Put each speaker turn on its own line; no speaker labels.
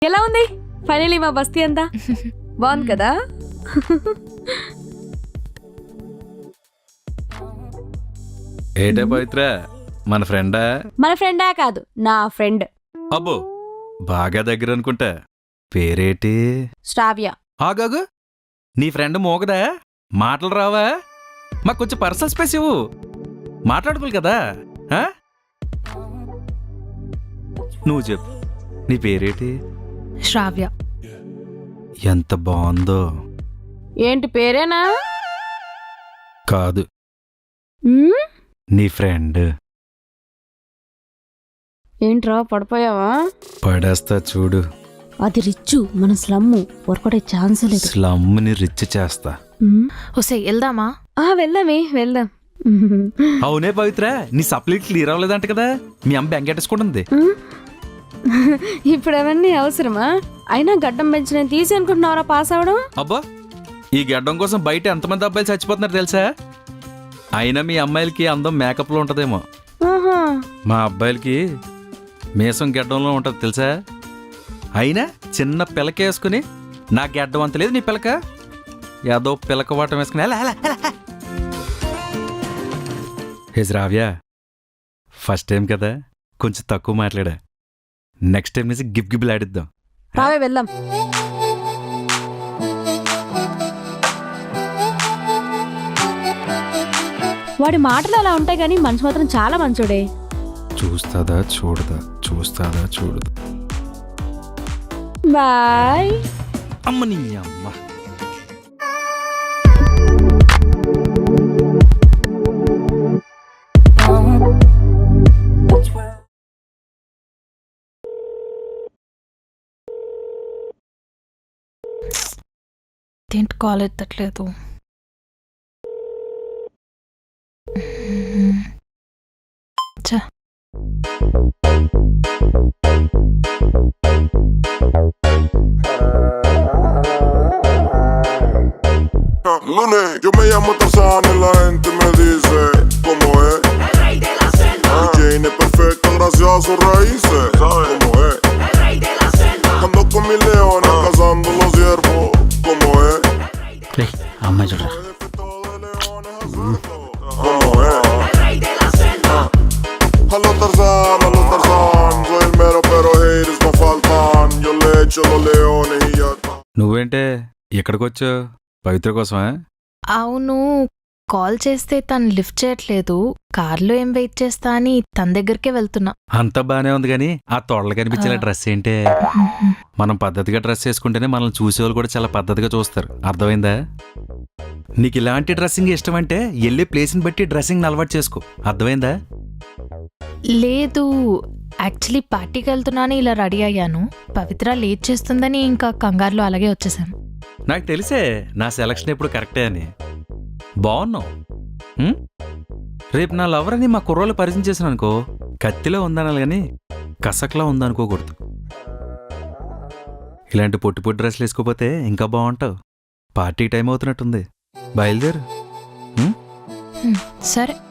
ఎలా ఉంది ఫైనలీ మా బస్తీ అంతా బాగుంది కదా?
ఏటే పవిత్ర మన ఫ్రెండా?
మన ఫ్రెండా కాదు, నా ఫ్రెండ్.
అబ్బో బాగా దగ్గర అనుకుంటా. పేరేటి?
శ్రావ్య.
ఆగాగు, నీ ఫ్రెండ్ మోగదా? మాటలు రావా? మాకు కొంచెం పర్సనల్ స్పేస్ ఇవ్వు, మాట్లాడుకోవాలి కదా. ఆ? నువ్వు చెప్పు, నీ పేరేటి?
శ్రావ్య.
ఎంత బాగుందో.
ఏంటి పేరేనా?
కాదు,
ఉమ్,
నీ ఫ్రెండ్.
ఏంట్రా పడిపోయావా?
పడేస్తా చూడు.
అది రిచ్చు, మన స్లమ్ వర్కౌట్ అయ్యే ఛాన్స్ లేదు.
స్లమ్ని రిచ్ చేస్తా.
ఒసే వెళ్దామా?
వెళ్దామే వెళ్దాం.
అవునే పవిత్ర, నీ సప్లీట్ క్లియర్ అవ్వలేదంట కదా, మీ అమ్మ బెంకెట్టేసుకుంటుంది.
ఇప్పుడు అవన్నీ అవసరమా? అయినా గడ్డం పెంచి నేను తీసి అనుకుంటున్నావరా పాస్ అవడం?
అబ్బా, ఈ గడ్డం కోసం బయట ఎంతమంది అబ్బాయిలు చచ్చిపోతున్నారు తెలుసా? అయినా మీ అమ్మాయిలకి అందం మేకప్లో ఉంటదేమో,
ఆహా.
మా అబ్బాయిలకి మీసం గడ్డంలో ఉంటది తెలుసా? అయినా చిన్న పిలక వేసుకుని నా గడ్డం అంత లేదు నీ పిలక, ఏదో పిలక వాటం వేసుకుని హే శ్రావ్య, ఫస్ట్ టైం కదా కొంచెం తక్కువ మాట్లాడా. నెక్స్ట్ టైం నుంచి గిబ్లు ఆడిద్దాం.
రావే వెళ్దాం. వాడి మాటలు అలా ఉంటాయి కానీ మనసు మాత్రం చాలా మంచోడే.
చూస్తాదా చూడదా, చూస్తాదా చూడదా.
బాయ్.
అమ్మ నీ అమ్మ.
ఏంటి కాల్ ఎత్తట్లేదు?
Lunes, yo me llamo Tarzán y la gente me dice ¿cómo es?
El rey de la selva.
Jane es perfecta gracias a sus raíces. ¿Sabes cómo es?
El rey de la selva.
Ando con mis leones cazando los ciervos. ¿Cómo es?
అమ్మాయి చూడరా.
¿Cómo es?
El rey de la selva.
Hello Tarzán, soy el mero pero haters no faltan. Yo le echo los leones y ya está.
నువ్వేంటే ఇక్కడికి వచ్చావు? పవిత్ర కోసమా?
అవును, call చేస్తే తను lift చేయట్లేదు. కార్లో ఏం వెయిట్ చేస్తా అని తన దగ్గరికే వెళ్తున్నా.
అంతా బానే ఉంది కానీ ఆ తొడలు కనిపించిన డ్రెస్ ఏంటే? మనం పద్ధతిగా డ్రెస్ వేసుకుంటేనే మనల్ని చూసేవాళ్ళు కూడా చాలా పద్ధతిగా చూస్తారు, అర్థమైందా? నీకు ఇలాంటి డ్రెస్సింగ్ ఇష్టం అంటే వెళ్ళే ప్లేస్ని బట్టి డ్రెస్సింగ్ అలవాటు చేసుకో, అర్థమైందా?
లేదు, యాక్చువల్లీ పార్టీకి వెళ్తున్నాను ఇలా రెడీ అయ్యాను. పవిత్ర లేట్ చేస్తుందని ఇంకా కంగారులో అలాగే వచ్చేసాను.
నాకు తెలిసే నా సెలక్షన్ ఎప్పుడు కరెక్టే అని. బాగున్నావు. రేపు నా లవర్ అని మా కుర్రోళ్ళు పరిచయం చేసిన అనుకో, కత్తిలో ఉందనాలి కానీ కసక్లా ఉందనుకోకూడదు. ఇలాంటి పొట్టి పొట్టి డ్రెస్లు వేసుకోపోతే ఇంకా బాగుంటావు. పార్టీ టైం అవుతున్నట్టుంది, బయలుదేరు.
సరే.